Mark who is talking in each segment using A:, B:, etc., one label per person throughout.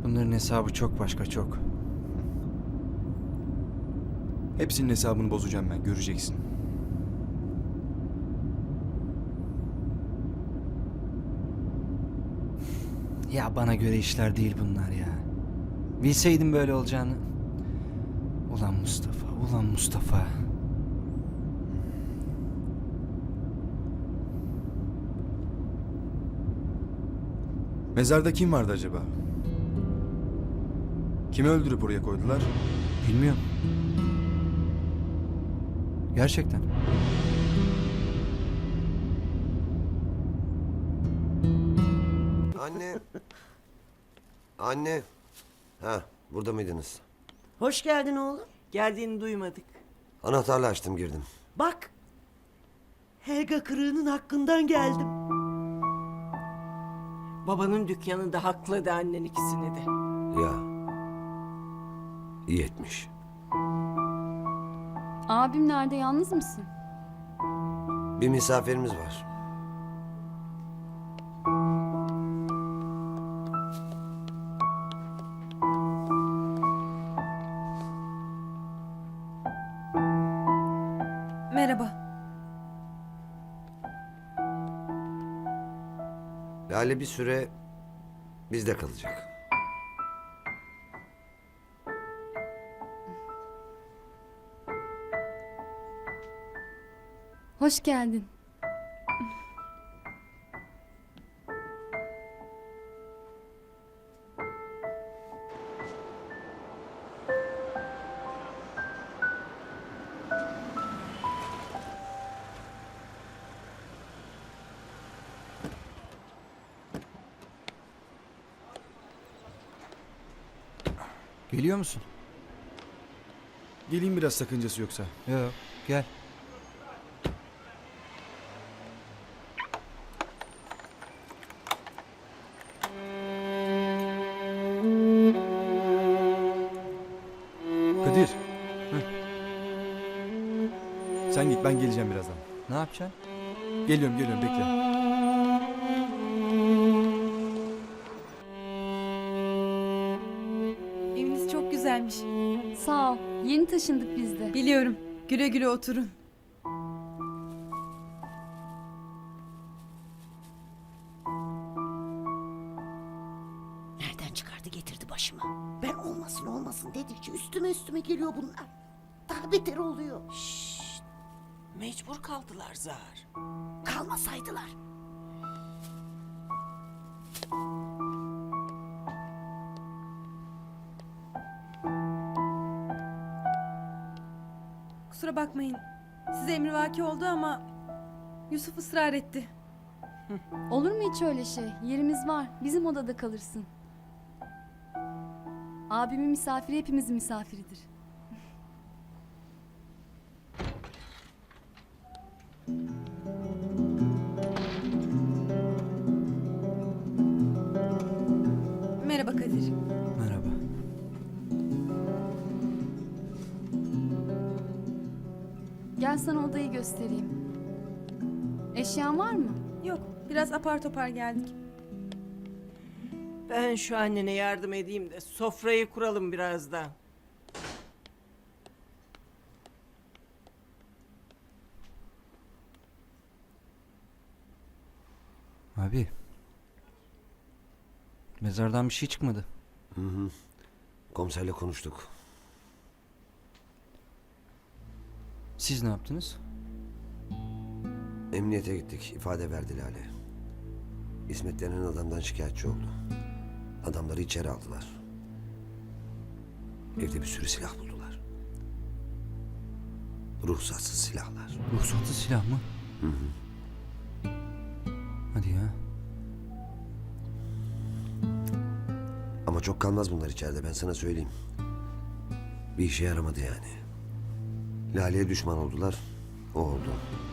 A: Bunların hesabı çok başka, çok.
B: Hepsinin hesabını bozacağım ben, göreceksin.
A: Ya bana göre işler değil bunlar ya. Bilseydim böyle olacağını. Ulan Mustafa, ulan Mustafa.
B: Mezarda kim vardı acaba? Kimi öldürüp oraya koydular?
A: Bilmiyorum. Gerçekten.
C: Anne. Anne. Ha, burada mıydınız?
D: Hoş geldin oğlum.
E: Geldiğini duymadık.
C: Anahtarla açtım girdim.
D: Bak. Helga Kırığı'nın hakkından geldim.
E: Babanın dükkanında hakladı annen ikisini de.
C: Ya. İyi etmiş.
F: Abim nerede, yalnız mısın?
C: Bir misafirimiz var.
G: Merhaba.
C: Lale bir süre bizde kalacak.
F: Hoş geldin.
A: Geliyor musun?
B: Geleyim biraz, sakıncası yoksa.
A: Yok, gel.
B: Kadir. Sen git, ben geleceğim birazdan.
A: Ne yapacaksın?
B: Geliyorum, bekle.
G: Eviniz çok güzelmiş.
F: Sağ ol. Yeni taşındık biz de.
G: Biliyorum. Güle güle oturun.
D: Nereden çıkardı getirdi başıma. Ben olmasın dedikçe üstüme geliyor bunlar. Daha beter oluyor.
E: Mecbur kaldılar Zahar.
D: Kalmasaydılar.
G: Kusura bakmayın. Size emrivaki oldu ama Yusuf ısrar etti.
F: Olur mu hiç öyle şey? Yerimiz var. Bizim odada kalırsın. Abimin misafiri hepimizin misafiridir.
G: Merhaba Kadir.
A: Merhaba.
F: Gel sana odayı göstereyim. Eşyan var mı?
G: Yok, biraz apar topar geldik.
E: Ben şu annene yardım edeyim de sofrayı kuralım birazdan.
A: Abi. Mezardan bir şey çıkmadı.
C: Komiserle konuştuk.
A: Siz ne yaptınız?
C: Emniyete gittik. İfade verdi Lale. İsmet denen adamdan şikayetçi oldu. Adamları içeri aldılar. Evde bir sürü silah buldular. Ruhsatsız silahlar.
A: Ruhsatsız silah mı? Hadi ya.
C: Ama çok kalmaz bunlar içeride, ben sana söyleyeyim. Bir işe yaramadı yani. Lale'ye düşman oldular. O oldu.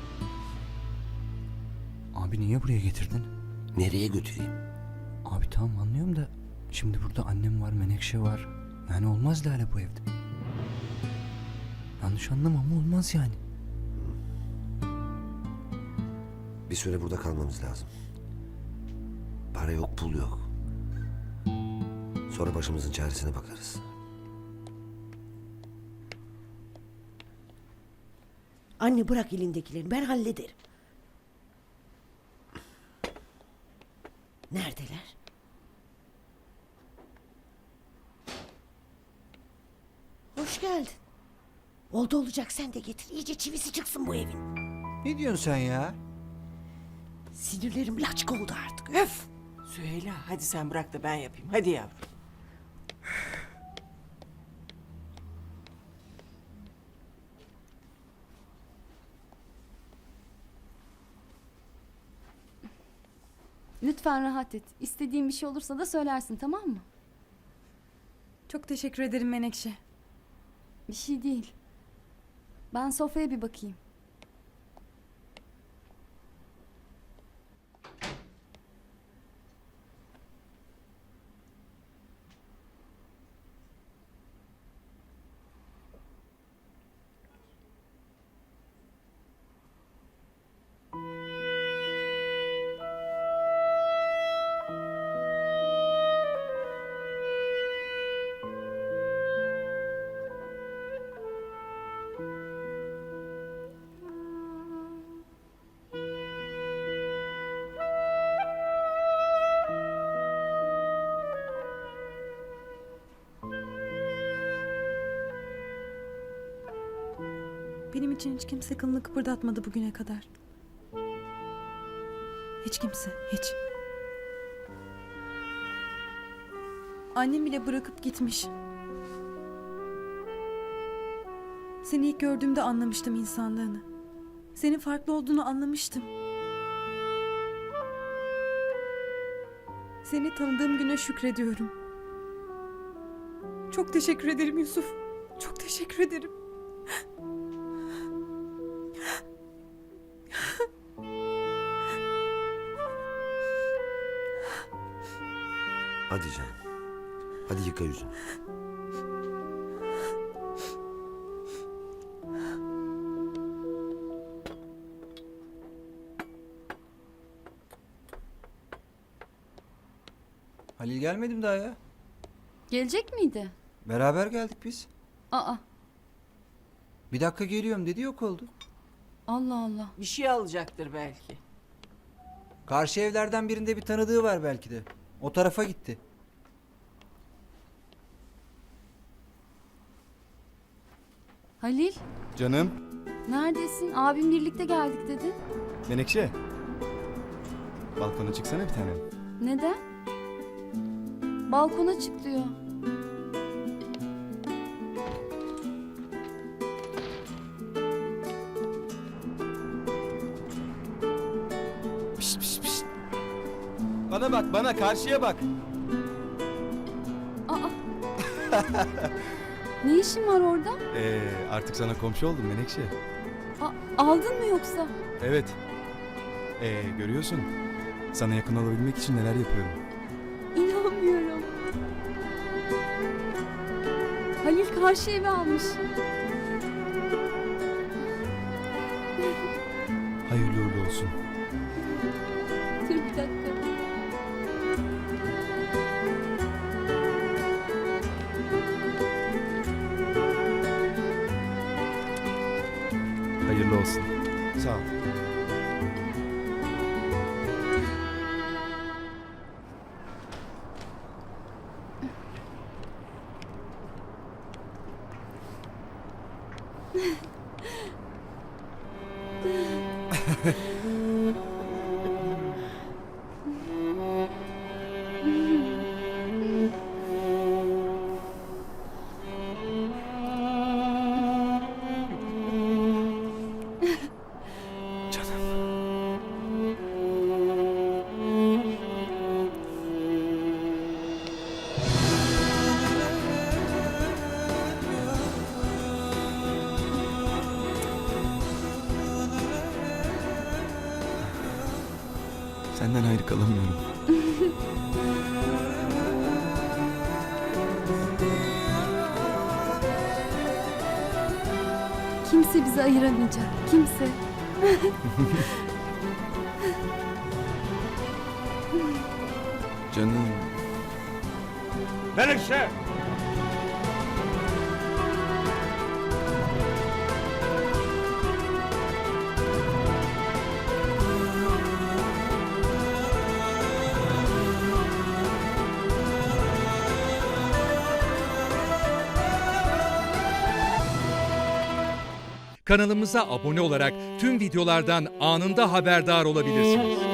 A: Abi niye buraya getirdin?
C: Nereye götüreyim?
A: Abi tamam anlıyorum da şimdi burada annem var, Menekşe var. Yani olmaz Lale bu evde. Yanlış anlama ama olmaz yani.
C: Bir süre burada kalmamız lazım. Para yok, pul yok. Sonra başımızın çaresine bakarız.
D: Anne bırak elindekileri, ben hallederim. Neredeler? Hoş geldin. Oldu olacak sen de getir. İyice çivisi çıksın bu evin.
A: Ne diyorsun sen ya?
D: Sinirlerim laçka oldu artık. Öf!
E: Süheyla hadi sen bırak da ben yapayım. Hadi yavrum.
F: Lütfen rahat et. İstediğin bir şey olursa da söylersin, tamam mı?
G: Çok teşekkür ederim Menekşe.
F: Bir şey değil. Ben sofraya bir bakayım.
G: Benim için hiç kimse kılını kıpırdatmadı bugüne kadar. Hiç kimse, hiç. Annem bile bırakıp gitmiş. Seni ilk gördüğümde anlamıştım insanlığını. Senin farklı olduğunu anlamıştım. Seni tanıdığım güne şükrediyorum. Çok teşekkür ederim Yusuf. Çok teşekkür ederim.
C: Hadi canım. Hadi yıka yüzünü.
A: Halil gelmedi mi daha ya?
F: Gelecek miydi?
A: Beraber geldik biz.
F: Aa,
A: Bir dakika geliyorum dedi, yok oldu.
F: Allah Allah.
E: Bir şey alacaktır belki.
A: Karşı evlerden birinde bir tanıdığı var belki de. O tarafa gitti.
F: Halil,
B: Canım.
F: neredesin? Abim birlikte geldik dedi.
B: Menekşe. Balkona çıksana bir tanem.
F: Neden? Balkona çık diyor.
B: Pişt pişt pişt. Bana bak, bana karşıya bak.
F: Aa. Ne işin var orada?
B: Artık sana komşu oldum Menekşe.
F: Aldın mı yoksa?
B: Evet. Görüyorsun. Sana yakın olabilmek için neler yapıyorum.
F: İnanmıyorum. Halil karşı evi almış.
B: Hayırlı uğurlu olsun.
F: Dur bir dakika.
B: Hayırlı olsun. Sağ ol. Senden ayrı kalamıyorum.
F: Kimse bizi ayıramayacak. Kimse.
B: Canım. Menekşe!
H: Kanalımıza abone olarak tüm videolardan anında haberdar olabilirsiniz.